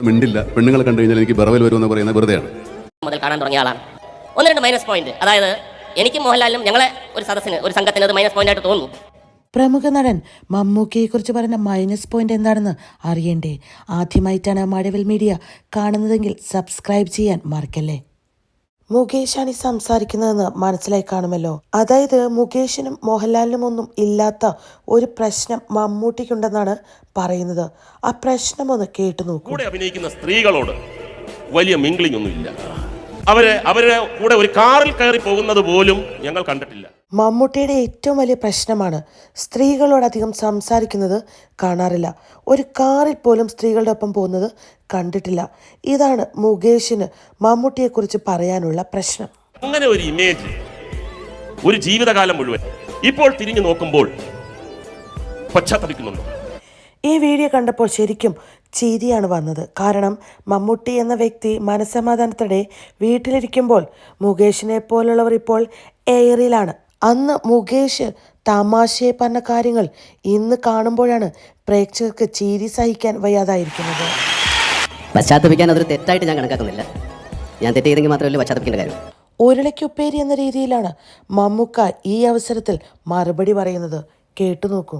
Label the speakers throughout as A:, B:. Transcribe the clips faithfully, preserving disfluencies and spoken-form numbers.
A: മിണ്ടില്ല. പെണ്ണുങ്ങളെ കണ്ടു കഴിഞ്ഞാൽ എനിക്ക് ബറവൽ വരുമെന്ന് പറയുന്നത് വെറുതെയാണ്.
B: മുതൽ കാണാൻ തുടങ്ങിയ ആളാണ്. ഒന്ന് രണ്ട് മൈനസ് പോയിന്റ്, അതായത് എനിക്കും മോഹൻലാലിനും ഞങ്ങളെ ഒരു സദസ്സിന് ഒരു സംഘത്തിന് അത് മൈനസ് പോയിന്റ് ആയിട്ട് തോന്നുന്നു.
C: പ്രമുഖ നടൻ മമ്മൂക്കയെക്കുറിച്ച് പറഞ്ഞ മൈനസ് പോയിന്റ് എന്താണെന്ന് അറിയണ്ടേ? ആദ്യമായിട്ടാണ് മഴവിൽ മീഡിയ കാണുന്നതെങ്കിൽ സബ്സ്ക്രൈബ് ചെയ്യാൻ മറക്കല്ലേ. മുകേഷാണ് ഈ സംസാരിക്കുന്നതെന്ന് മനസ്സിലായി കാണുമല്ലോ. അതായത് മുകേഷിനും മോഹൻലാലിനും ഒന്നും ഇല്ലാത്ത ഒരു പ്രശ്നം മമ്മൂട്ടിക്കുണ്ടെന്നാണ് പറയുന്നത്. ആ പ്രശ്നം ഒന്ന് കേട്ടു നോക്കൂ.
D: കൂടെ അഭിനയിക്കുന്ന സ്ത്രീകളോട് വലിയ മിംഗ്ലിംഗ് ഒന്നും ഇല്ല. അവരെ അവരുടെ കൂടെ ഒരു കാറിൽ കയറി പോകുന്നത് പോലും ഞങ്ങൾ കണ്ടിട്ടില്ല.
C: മമ്മൂട്ടിയുടെ ഏറ്റവും വലിയ പ്രശ്നമാണ് സ്ത്രീകളോട് അധികം സംസാരിക്കുന്നത് കാണാറില്ല. ഒരു കാറിൽ പോലും സ്ത്രീകളുടെ ഒപ്പം പോകുന്നത് കണ്ടിട്ടില്ല. ഇതാണ് മുകേഷിന് മമ്മൂട്ടിയെക്കുറിച്ച് പറയാനുള്ള പ്രശ്നം.
D: അങ്ങനെ ഒരു ഇമേജ് ഒരു ജീവിതകാലം മുഴുവൻ ഇപ്പോൾ തിരിഞ്ഞു നോക്കുമ്പോൾ പശ്ചാത്തപിക്കുന്നുണ്ട്.
C: ഈ വീഡിയോ കണ്ടപ്പോൾ ശരിക്കും ചിരിയാണ് വന്നത്. കാരണം മമ്മൂട്ടി എന്ന വ്യക്തി മനസ്സമാധാനത്തോടെ വീട്ടിലിരിക്കുമ്പോൾ മുകേഷിനെ പോലുള്ളവർ ഇപ്പോൾ എയറിലാണ്. അന്ന് മുകേഷ് തമാശയെ പറഞ്ഞ കാര്യങ്ങൾ ഇന്ന് കാണുമ്പോഴാണ് പ്രേക്ഷകർക്ക് ചിരി സഹിക്കാൻ വയ്യാതായിരിക്കുന്നത്.
B: പശ്ചാത്തപിക്കാൻ അതൊരു തെറ്റായിട്ട് ഞാൻ കണക്കാക്കുന്നില്ല. ഞാൻ തെറ്റ് ചെയ്തെങ്കിൽ മാത്രമല്ല പശ്ചാത്തപിക്കേണ്ട കാര്യം.
C: ഉരുളയ്ക്കുപ്പേരി എന്ന രീതിയിലാണ് മമ്മൂക്ക ഈ അവസരത്തിൽ മറുപടി പറയുന്നത്. കേട്ടു നോക്കൂ.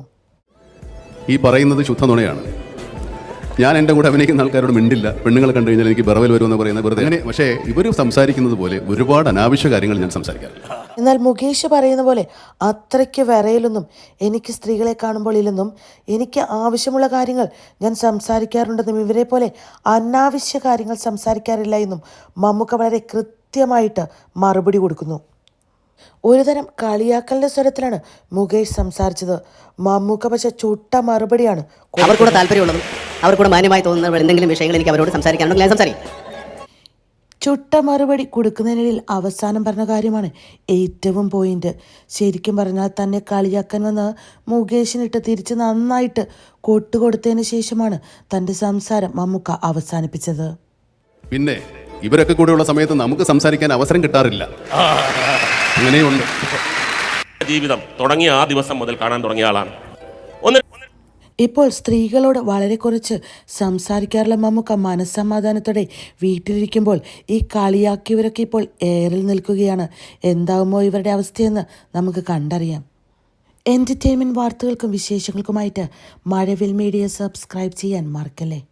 A: ഈ പറയുന്നത് ശുദ്ധ നുണയാണ്. ഞാൻ എൻ്റെ കൂടെ അഭിനയിക്കുന്ന ആൾക്കാരോട് മിണ്ടില്ല. പെണ്ണുങ്ങളെ കണ്ടു കഴിഞ്ഞാൽ എനിക്ക് ബറവൽ വരുമെന്ന് പറയുന്നത് വെറുതെ. അങ്ങനെ പക്ഷേ ഇവർ സംസാരിക്കുന്നത് പോലെ ഒരുപാട് അനാവശ്യ കാര്യങ്ങൾ ഞാൻ സംസാരിക്കാറില്ല.
C: എന്നാൽ മുകേഷ് പറയുന്ന പോലെ അത്രയ്ക്ക് വിറയിലൊന്നും എനിക്ക് സ്ത്രീകളെ കാണുമ്പോൾ ഇല്ലെന്നും എനിക്ക് ആവശ്യമുള്ള കാര്യങ്ങൾ ഞാൻ സംസാരിക്കാറുണ്ടെന്നും ഇവരെ പോലെ അനാവശ്യ കാര്യങ്ങൾ സംസാരിക്കാറില്ല എന്നും മമ്മൂക്ക വളരെ കൃത്യമായിട്ട് മറുപടി കൊടുക്കുന്നു. ഒരുതരം കളിയാക്കലിന്റെ സ്വരത്തിലാണ് മുകേഷ് സംസാരിച്ചത്. മമ്മൂക്ക പക്ഷെ ചുട്ട മറുപടിയാണ്.
B: അവർക്കൂടെ താല്പര്യമുള്ളതും അവർക്കൂടെ മാന്യമായി തോന്നുന്ന എന്തെങ്കിലും വിഷയങ്ങൾ എനിക്ക് അവരോട് സംസാരിക്കാനുണ്ടെങ്കിൽ ഞാൻ സംസാരിക്കും.
C: ചുട്ട മറുപടി കൊടുക്കുന്നതിനിടയിൽ അവസാനം പറഞ്ഞ കാര്യമാണ് ഏറ്റവും പോയിന്റ്. ശരിക്കും പറഞ്ഞാൽ തന്നെ കളിയാക്കാൻ വന്ന് മുകേഷിനിട്ട് തിരിച്ച് നന്നായിട്ട് കൊട്ടുകൊടുത്തതിന് ശേഷമാണ് തൻ്റെ സംസാരം മമ്മൂക്ക അവസാനിപ്പിച്ചത്.
A: പിന്നെ ഇവരൊക്കെ കൂടെയുള്ള സമയത്ത് നമുക്ക് സംസാരിക്കാൻ അവസരം കിട്ടാറില്ല. അങ്ങനെയുണ്ട്.
D: ജീവിതം തുടങ്ങിയ ആ ദിവസം മുതൽ കാണാൻ തുടങ്ങിയ ആളാണ്. ഒന്ന്
C: ഇപ്പോൾ സ്ത്രീകളോട് വളരെ കുറച്ച് സംസാരിക്കാറുള്ള മമ്മൂക്ക മനസ്സമാധാനത്തോടെ വീട്ടിലിരിക്കുമ്പോൾ ഈ കളിയാക്കിയവരൊക്കെ ഇപ്പോൾ എയറിൽ നിൽക്കുകയാണ്. എന്താകുമോ ഇവരുടെ അവസ്ഥയെന്ന് നമുക്ക് കണ്ടറിയാം. എൻ്റർടൈൻമെൻറ്റ് വാർത്തകൾക്കും വിശേഷങ്ങൾക്കുമായിട്ട് മഴവിൽ മീഡിയ സബ്സ്ക്രൈബ് ചെയ്യാൻ മറക്കല്ലേ.